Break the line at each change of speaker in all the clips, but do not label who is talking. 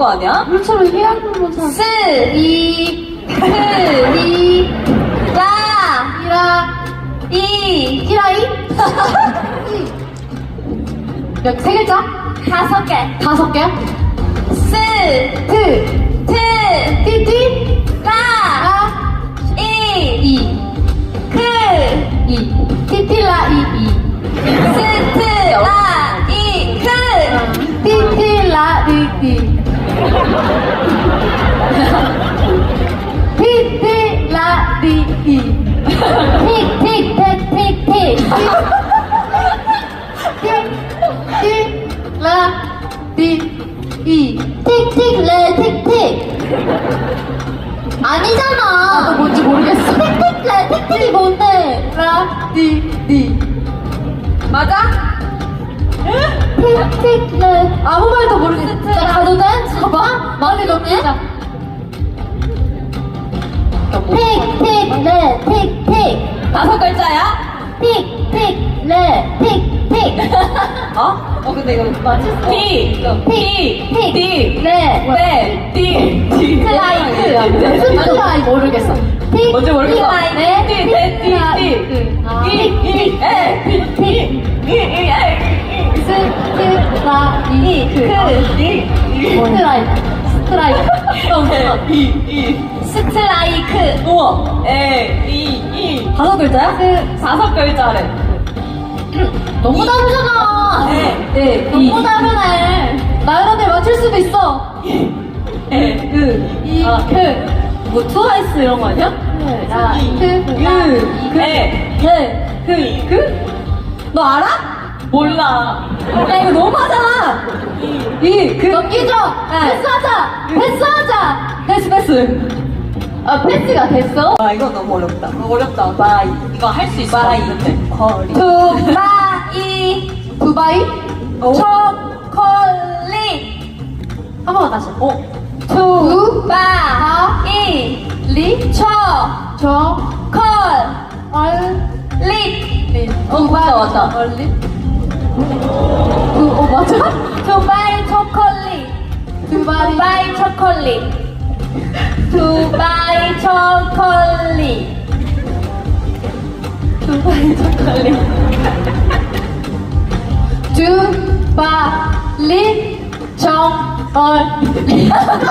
거 아니야?
물처럼 해양물만 사.
스, 이, 크, 리, 라, 이.
히라이? 세 글자?
5개.
5개?
스,
트,
트,
띠띠,
라,
라,
이,
이,
크,
이. 띠띠라, 이.
스, 트, 라, 이, 크.
띠띠라, 띠띠. 띠띠라, 띠띠. 틱, 틱, 틱, 틱, 틱. 틱, 라, 띠, 틱틱레, 틱틱. 아니잖아. 나도 뭔지 모르겠어. 틱틱레, 틱틱이 뭔데? 라, 띠.
맞아?
틱틱레. 아무 말도 모르겠어. 나 가도 돼? 봐봐. 말이 너무 해. 틱틱레, 틱틱.
5글자야?
틱틱레, 틱틱.
어? 근데 이거 맞을 수 티, 티, 티,
레.
네, 티, 티.
스트라이크. 스트라이크 모르겠어. 틱,
뭔지 모르겠어.
네,
티, 티, 티, 티.
아,
이, 이, 에, 티, 티. 이, 이, 에. 스트라이크. 우와. 에, 이.
5글자야?
5글자래.
너무 다르잖아.
네,
너무 다르네. 나연한테 맞출 수도 있어.
에,
이,
아. 뭐 트와이스 이런 거 아니야?
라, 너 알아?
몰라.
야, 이거 너무 하잖아. 넘기죠? 패스하자. 아, 패스가 됐어?
아, 이거 너무 어렵다. 어렵다. 바이. 이거 할 수 있어. 바이. 거리.
두바이?
초콜릿.
한 번 다시.
두바이.
리?
초콜릿. 맞다.
얼리? 맞아?
두바이 초콜릿. 두바이 초콜릿. 두바이 초콜릿. 두바이 초콜릿.
두바리 정얼리.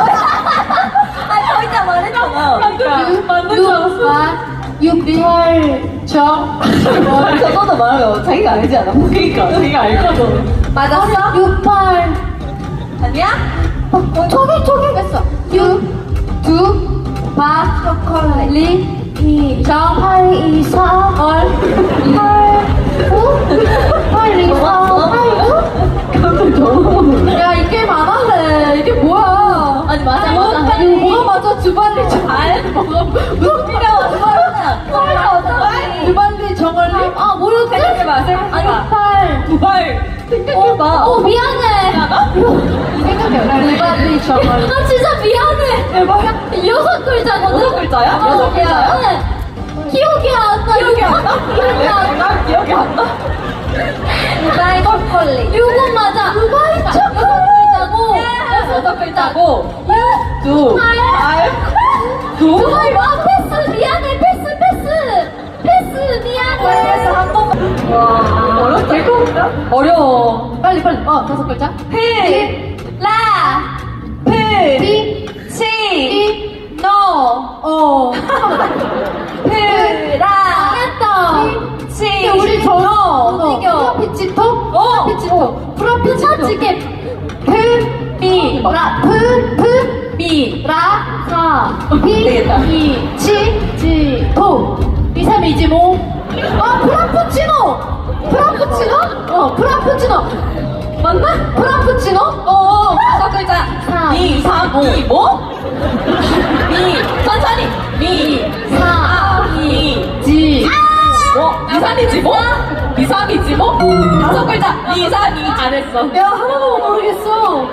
아, 진짜 말했잖아. 맞는 줄 알았어.
유비할 정얼리.
저거도 말해요. 자기가 알지 않아? 그러니까 자기가 알거든. 맞았어?
68.
아니야?
초기 했어. 두바 초콜릿 정얼리 2, 4, 얼 8, 9, 8, 2, 4, 8, 9. 야, 이 게임 안 할래. 이게 뭐야?
아니, 맞아.
이거 뭐가 맞아? 두발리 정얼리.
루피가 왔어.
두발리 정얼리? 아, 뭐였지?
생각해봐.
아니, 8.
두발. 생각해봐.
미안해. 생각해. 두발리 정얼리. 나 진짜 미안해.
대박.
6글자거든?
6글자야? 6글자야?
네. 기억이 안 나.
기억이 안 나?
기억이 안 나.
나 기억이 안 나? 두바이 초콜릿.
이거 맞아. 두바이 초콜릿.
6글자고.
두바이. 두바이. 아, 패스. 미안해. 패스. 미안해.
한 번만. 와, 어렵다. 어려워.
빨리. 5글자.
라.
리.
치.
노.
프라.
했다.
치.
우리
너.
이겨. 피치토? 피치토. 프라피치게. 미. 라. 미. 라. 사.
되겠다.
치. 토. 2, 3, 2지 뭐. 프라푸치노. 프라푸치노. 맞나? 프라푸치노?
5글자.
3,
2, 3, 2, 뭐? 천천히.
4,
2,
지.
2, 3이지 뭐? 2, 3이지 뭐? 5글자. 2, 3, 2. 안 했어.
야, 하나도 모르겠어.